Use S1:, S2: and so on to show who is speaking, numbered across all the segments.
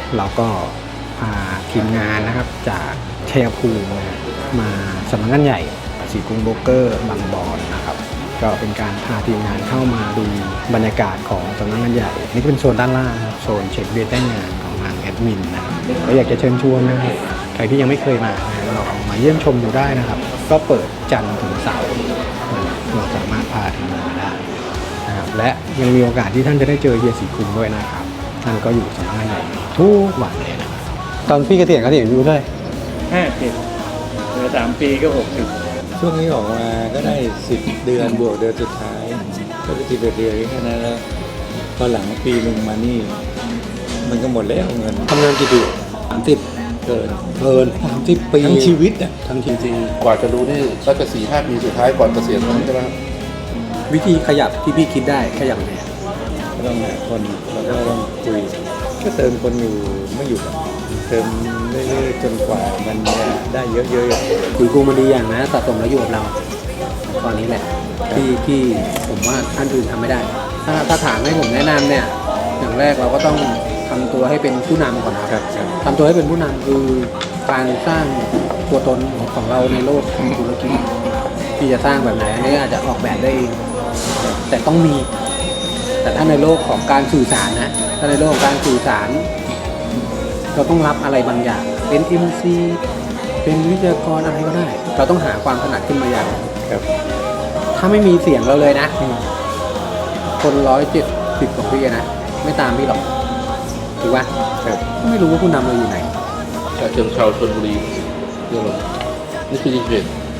S1: เราก็พาทีมงานนะครับจากชัยภูมิมาสำนักงานใหญ่สีกรุงโบรกเกอร์บางบอนนะครับก็เป็นการพาทีมงานเข้ามาดูบรรยากาศของสำนักงานใหญ่นี่ก็เป็นโซนด้านล่างครับโซนเช็คเบียร์แจ้งงานของทางแอดมินนะครับก็อยากจะเชิญชวนนะครับใครที่ยังไม่เคยมาลองมาเยี่ยมชมดูได้นะครับก็เปิดจันทร์ถึงเสาร์เราสามารถพาทีมงานมาได้นะครับและยังมีโอกาสที่ท่านจะได้เจอเฮียสีกรุงด้วยนะครับท่านก็อยู่สำนักงานใหญ่ทุกวันเลยนะครับตอนพี่เกษียณอยู่ด้วย
S2: 50เหลือ3 ปีก็60
S3: ช่วงนี้ออกมาก็ได้10 เดือนบวกเดือนสุดท้ายก็ไป11 เดือนแค่นั้นแล้วพอหลังปีหนึ่งมานี่มันก็หมดแล้วเงิน
S1: ทำงานกี่ปี30เกิน30 ปี
S3: ทั้งชีวิตอ่ะ
S4: ทั้งจริงๆกว่าจะรู้นี่ก็จะ4-5 ปีสุดท้ายก่อนเกษียณใช่ไหมครับ
S1: วิธีขยับที่พี่คิดได้ขยับไง
S3: ก็ต้องหาคนแล้วก็ต้องคุยก็เติมคนอยู่ไม่อยู่เติมเรื่อยๆจนกว่ามันจะได้เยอะ
S1: ๆคุยกูมันดีอย่างนะสะสมแล้วอยู่กับเราตอนนี้แหละที่ผมว่าท่านอื่นทำไม่ได้ถ้าถามให้ผมแนะนำเนี่ยอย่างแรกเราก็ต้องทำตัวให้เป็นผู้นำก่อนครับทำตัวให้เป็นผู้นำคือการสร้างตัวตนของเราในโลกของธุรกิจที่จะสร้างแบบไหนอันนี้อาจจะออกแบบได้เองแต่ต้องมีแต่ถ้าในโลกของการสื่อสารนะถ้าในโลกของการสื่อสารเราต้องรับอะไรบางอย่างเป็น MC เป็นวิทยากรอะไรก็ได้เราต้องหาความถนัดขึ้นมาอย่าง
S3: ครับ
S1: ถ้าไม่มีเสียงเราเลยนะคน170 กว่าปีนะไม่ตามพี่หรอกถูกป่ะ
S3: ครับ
S1: ไม่รู้ว่าผู้นำเราอยู่ไหน
S4: เชิงชาวชลบุรีเรื่องอะไรนี่คือจริง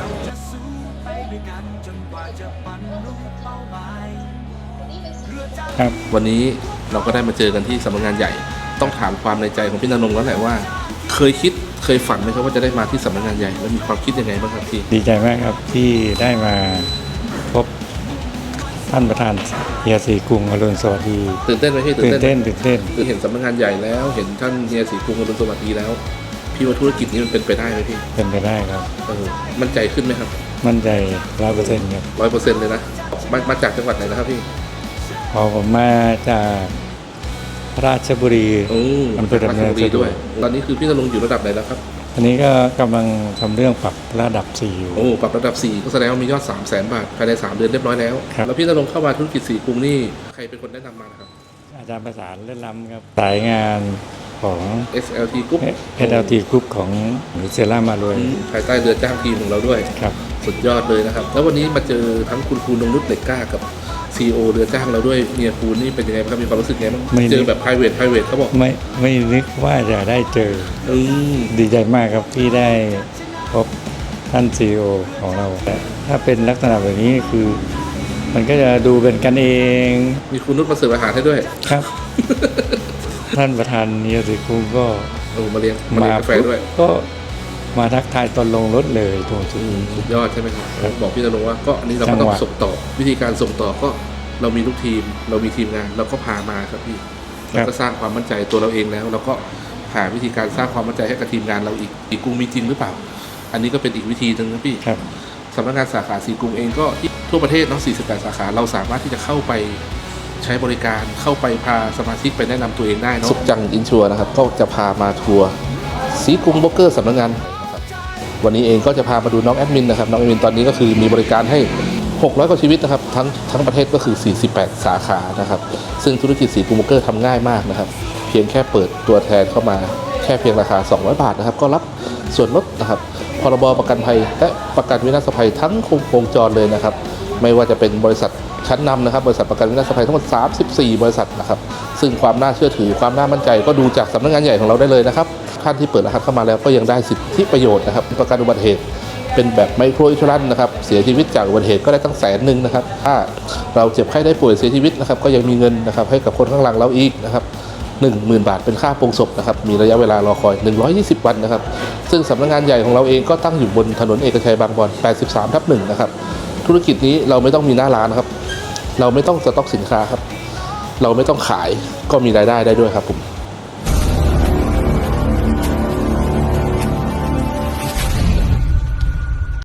S3: ครับ
S4: วันนี้เราก็ได้มาเจอกันที่สำนักงานใหญ่ต้องถามความในใจของพี่ณรงค์แล้วแหละว่าเคยฝันไหมครับว่าจะได้มาที่สำนักงานใหญ่แล้วมีความคิดยังไงบ้างครับพี่
S3: ดีใจมากครับที่ได้มาพบท่านประธานเฮียศรีกรุงอรุณสวัสดิ์
S4: ตื่นเต้นไหมพี่
S3: ตื่นเต้น
S4: คือเห็นสำนักงานใหญ่แล้วเห็นท่านเฮียศรีกรุงอรุณสวัสดิ์แล้วพี่ว่าธุรกิจนี้มันเป็นไปได้ไหมพี่
S3: เป็นไปได้ครับ
S4: มั่นใจขึ้นไหมครับ
S3: มั่นใจ100%ครับ
S4: 100%เลยนะมาจากจังหวัดไหนนะครับพี่
S3: พอผมมาจากราชบุรี
S4: อำเภอดำเนินสะดวกตอนนี้คือพี่ณรงค์อยู่ระดับไหนแล้วครับ
S3: อันนี้ก็กำลังทำเรื่องปรับระดับ4อยู่
S4: ปรับระดับ4ก็แสดงว่ามียอด 300,000 บาทภายใน3 เดือนเรียบร้อยแล้วแล้วพี่ณรงค์เข้ามาธุรกิจสีกรุงนี่ใครเป็นคนแนะนำมาครับ
S3: อาจารย์ประสานเล่นล้ำครับสายงานของ
S4: SLT Group
S3: SLT Group ของเซร่ามารวย
S4: ภายใต้เรือจ้างทีมของเราด้วย
S3: ครับ
S4: สุดยอดเลยนะครับแล้ววันนี้มาเจอทั้งคุณครูนงนุชเหล็กกล้ากับCEO เรือจ้างเราด้วยเมียคูนี่เป็นยังไงครับมีความรู้สึกไงบ้างเจอแบบ private เขาบอก
S3: ไม่นึกว่าจะได้เจอดีใจมากครับที่ได้พบท่าน CEO ของเราถ้าเป็นลักษณะแบบนี้คือมันก็จะดูเป็นกันเอง
S4: มีคุณนุชมาเสิร์ฟอาหารให้ด้วย
S3: ครับ ท่านประธานเฮียศรีกรุงก็
S4: มาเลี้ยงกาแฟด้วย
S3: ก็มาทักทายตอนลงรถเลยตรง
S4: สุดยอดใช่ไหมครับบอกพี่ณรงค์ว่าก็อันนี้เราก็ต้องส่งต่อวิธีการส่งต่อก็เรามีลูกทีมเรามีทีมงานเราก็พามาครับพี่เราก็สร้างความมั่นใจตัวเราเองแล้วเราก็หาวิธีการสร้างความมั่นใจให้กับทีมงานเราอีกกรุงมีจริงหรือเปล่าอันนี้ก็เป็นอีกวิธีหนึ่งนะพี่สำนักงานสาขาสีกรุงเองก็ทั่วประเทศทั้ง48 สาขาเราสามารถที่จะเข้าไปใช้บริการเข้าไปพาสมาชิกไปแนะนำตัวเองได้เนาะสุขจังอินชัวร์นะครับก็จะพามาทัวร์สีกรุงโบรกเกอร์สำนักงานวันนี้เองก็จะพามาดูน้องแอดมินนะครับน้องแอดมินตอนนี้ก็คือมีบริการให้600 กว่าชีวิตนะครับทั้งประเทศก็คือ48 สาขานะครับซึ่งธุรกิจสีกรุงโบรกเกอร์ทำง่ายมากนะครับเพียงแค่เปิดตัวแทนเข้ามาแค่เพียงราคา200 บาทนะครับก็รับส่วนลดนะครับพรบประกันภัยและประกันวินาศภัยทั้งวงจรเลยนะครับไม่ว่าจะเป็นบริษัทชั้นนำนะครับบริษัทประกันวินาศภัยทั้งหมด34 บริษัทนะครับซึ่งความน่าเชื่อถือความน่ามั่นใจก็ดูจากสำนักงานใหญ่ของเราได้เลยนะครับท่านที่เปิดรหัสเข้ามาแล้วก็ยังได้สิทธิประโยชน์นะครับประกันอุบัติเหตุเป็นแบบไมโครอินชัวรันซ์นะครับเสียชีวิตจากอุบัติเหตุก็ได้ตั้ง100,000นะครับถ้าเราเจ็บไข้ได้ป่วยเสียชีวิตนะครับก็ยังมีเงินนะครับให้กับคนข้างหลังเราอีกนะครับ 10,000 บาทเป็นค่าโปรงศพนะครับมีระยะเวลารอคอย120 วันนะครับซึ่งสำนักงานใหญ่ของเราเองก็ตั้งอยู่บนถนนเอกชัยบางบอน83/1นะครับธุรกิจนี้เราไม่ต้องมีหน้าร้านครับเราไม่ต้องสต็อกสินค้าครับเราไม่ต้องขายก็มีรายได้ได้ด้วยครับผม